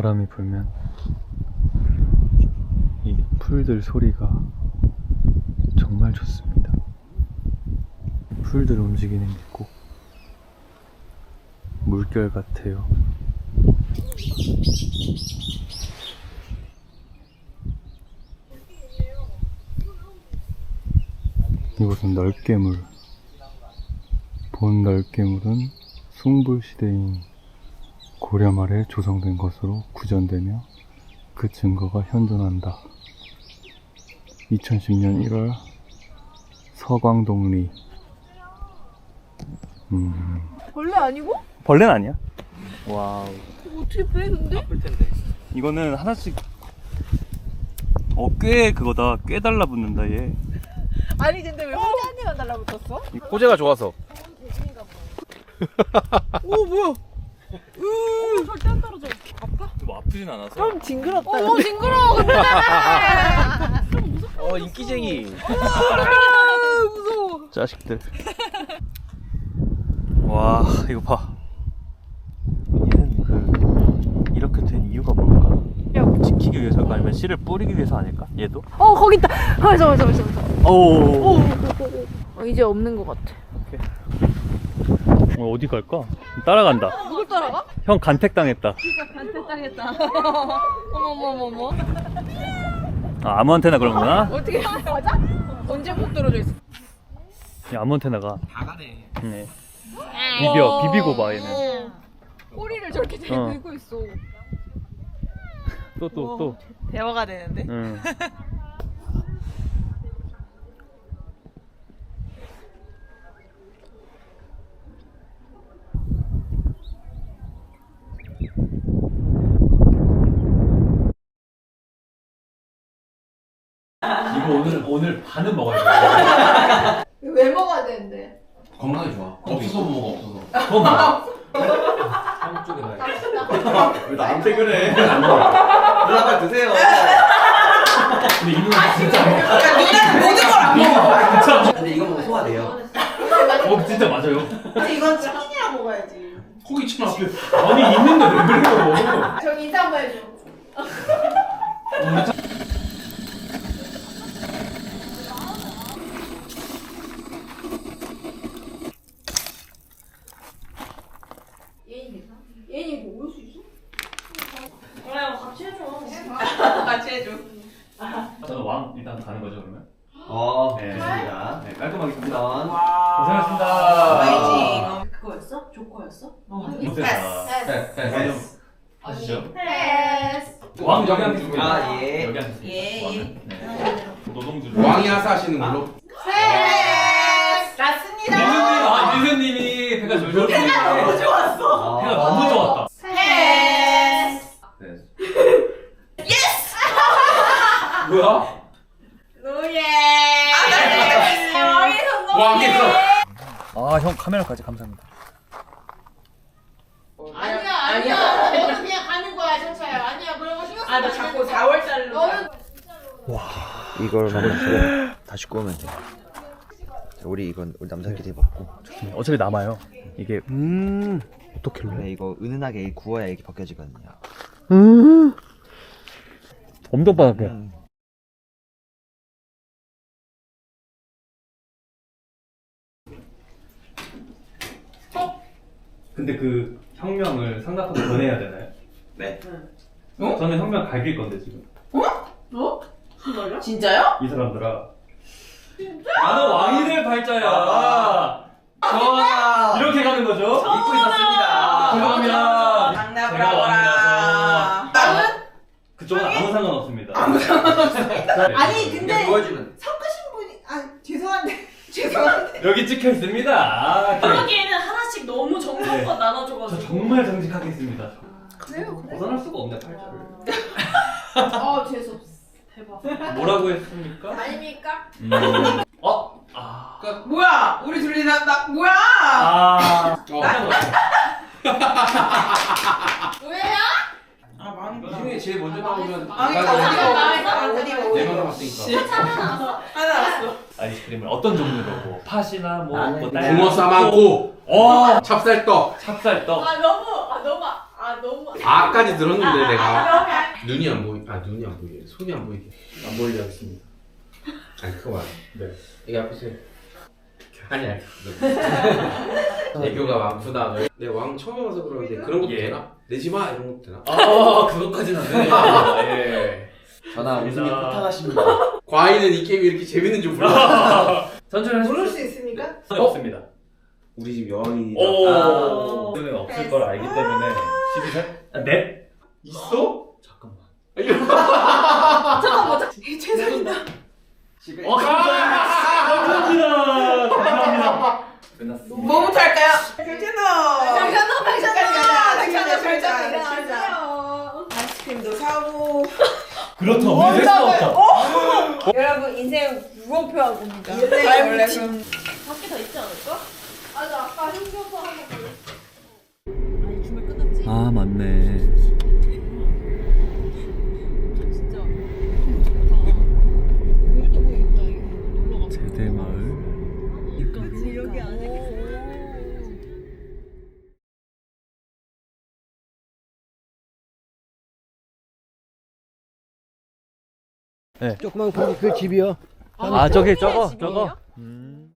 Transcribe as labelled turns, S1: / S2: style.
S1: 바람이 불면 이 풀들 소리가 정말 좋습니다. 풀들 움직이는 게 꼭 물결 같아요. 이곳은 널개물. 본 널개물은 숭불시대인 고려 말에 조성된 것으로 구전되며 그 증거가 현존한다. 2010년 1월 서광동리.
S2: 벌레 아니고?
S1: 벌레는 아니야. 와우.
S2: 이거 어떻게 빼 근데?
S1: 아플 텐데. 이거는 하나씩 꽤 그거다. 꽤 달라붙는다 얘.
S2: 아니 근데 왜 혼자 한 대만 달라붙었어?
S3: 호재가 좋아서.
S2: 오 뭐야? 절대 안 떨어져. 아파?
S1: 뭐 아프진 않아서.
S2: 좀 징그럽다. 오 징그러워 근데.
S3: 인기쟁이.
S2: 무서워.
S1: 자식들. 와 이거 봐. 얘는 이렇게 된 이유가 뭘까? 지키기 위해서일까 아니면 씨를 뿌리기 위해서 아닐까? 얘도?
S2: 거기 있다. 잠깐만.
S1: 오.
S2: 이제 없는 것 같아.
S1: 어디 갈까? 따라간다.
S2: 누굴 따라가?
S1: 형 간택당했다.
S2: 간택당했다. 어머머머머.
S1: 아무한테나 그런구나.
S2: 어떻게 맞아? 언제 꼭 떨어져 있어?
S1: 야, 아무한테나가.
S3: 다 가네.
S1: 네. 비비고 봐 얘는.
S2: 꼬리를 저렇게 들고 있어.
S1: 또.
S2: 대화가 되는데?
S1: 응. 이거 오늘 반은 먹어야 돼.
S2: 왜 먹어야 되는데?
S3: 건강에 좋아. 없어서 못 먹어, 없어서. 형 쪽에 나. 왜 나한테 그래? 누나 빨리 드세요.
S1: 근데 이 누나 진짜 안 먹어.
S2: 누나는 모든 걸 안 먹어.
S1: 진짜.
S3: 근데 이거 먹으면 소화돼요.
S1: 진짜 맞아요.
S2: 이건 치킨이랑 먹어야지.
S3: 고기 천 앞에.
S1: 아니 있는데 왜 그래요?
S2: 저 인사 한번 해줘. 얘는 이거 올 수 있어? 그래 같이 해줘. 같이 해줘.
S1: 저는 왕 일단 가는 거죠 그러면?
S3: 네. 좋습니다.
S1: 네 깔끔하게 갑니다.
S3: 우선.
S1: 고생하셨습니다.
S2: 파이팅. 그거였어? 조커였어?
S3: 패스.
S1: 아시죠?
S2: 패스.
S1: 왕 여기 앉으시면
S3: 아, 예.
S1: 여기 앉으세요.
S2: 예.
S1: 왕은? 네. 노동주로.
S3: 왕이 하사하시는 걸로.
S2: 패스. 맞습니다.
S1: 미수님이 배가 졸졸.
S2: 배가 너무 좋았어.
S1: 배가 너무 좋았다.
S2: 패스.
S3: 예스. 뭐야?
S2: 노예. 왕에서 노예.
S3: 왕에서.
S1: 아 형 카메라까지 감사합니다.
S2: 아니야. 너는 그냥 가는 거야, 정차야. 아니야, 그런 거 신경 쓰지 마. 너 자꾸 4월달로. 너는
S4: 이걸만 다시 구우면 돼. 우리 이건 우리 남자끼리 먹고.
S1: 어차피 남아요. 이게 어떻게
S4: 네, 이거 은은하게 구워야 이게 벗겨지거든요.
S1: 엄청 바닥에. 근데 그 혁명을 상납하고 전해야 되나요?
S3: 네.
S1: 저는 혁명 갈길 건데 지금.
S2: 진짜요?
S1: 이 사람들아. 나는 왕이 될 발자야.
S3: 전하.
S1: 이렇게 가는 거죠?
S3: 잊고 있었습니다.
S1: 그러면 제가 왕이라서
S2: 나는?
S1: 그쪽은 아무 상관 없습니다.
S2: 아니, 근데
S3: 보여주면.
S2: 섞으신 분이, 죄송한데.
S1: 여기 찍혀 있습니다.
S5: 그러기에는 하나씩 너무 정성껏 나눠줘가지고.
S1: 저 정말 정직하게 했습니다.
S2: 그래요?
S1: 벗어날 수가 없네 발자를.
S2: 재수없어.
S5: 대박.
S1: 뭐라고 했습니까?
S2: 아닙니까?
S6: 뭐야? 우리 둘이 뭐야?
S2: 왜야?
S3: 이 중에 제일 먼저 나오면 내가 나왔으니까.
S6: 하나 왔어.
S1: 아이스크림을 어떤 종류로 뭐 팥이나 뭐
S3: 붕어 싸만고.
S1: 어
S3: 찹쌀떡.
S1: 찹쌀떡.
S2: 너무
S3: 아까지 들었는데 내가 눈이 안 보이. 눈이 안 보이게. 손이 안 보이게.
S1: 안 보이게 하겠습니다.
S3: 아니 그거 말이야.
S1: 네.
S3: 이게 앞에서 아니야. 애교가 많구나. 내 왕 처음 해봐서 그러는데 그런 것도
S1: 예.
S3: 되나? 내지 마 이런 것도 되나?
S1: 그것까지는 안 되네요. 예.
S4: 전화
S1: 웃음이
S4: 부탁하십니다.
S3: 과인은 이 게임이 이렇게 재밌는 줄 몰라.
S1: 천천히 하십시오.
S6: 모를 수 있습니까?
S1: 없습니다.
S3: 우리 집 여왕이
S1: 오. 눈에 없을 걸 알기 때문에 12살? 네?
S3: 있어?
S1: 잠깐만.
S6: 최선이다.
S1: 감사합니다. 감사합니다. 끝났습니다.
S6: 뭐부터 할까요? 백찬호. 백찬호. 아이스크림도 사고.
S1: 그렇다. 우리 셋 나왔다.
S6: 여러분 인생 무공표하고 옵니다.
S2: 원래
S5: 밖에 더 있지 않을까?
S2: 맞아 아까 흉겨서 한번 걸렸어.
S5: 아니 주말 끝났지?
S1: 아 맞네.
S5: 진짜 좋다. 물도 보이겠다 이거 놀러 가서.
S1: 제대마을.
S5: 여기 안에.
S4: 조그만 그 집이요.
S1: 아 저기 저거
S5: 집이에요?
S1: 저거.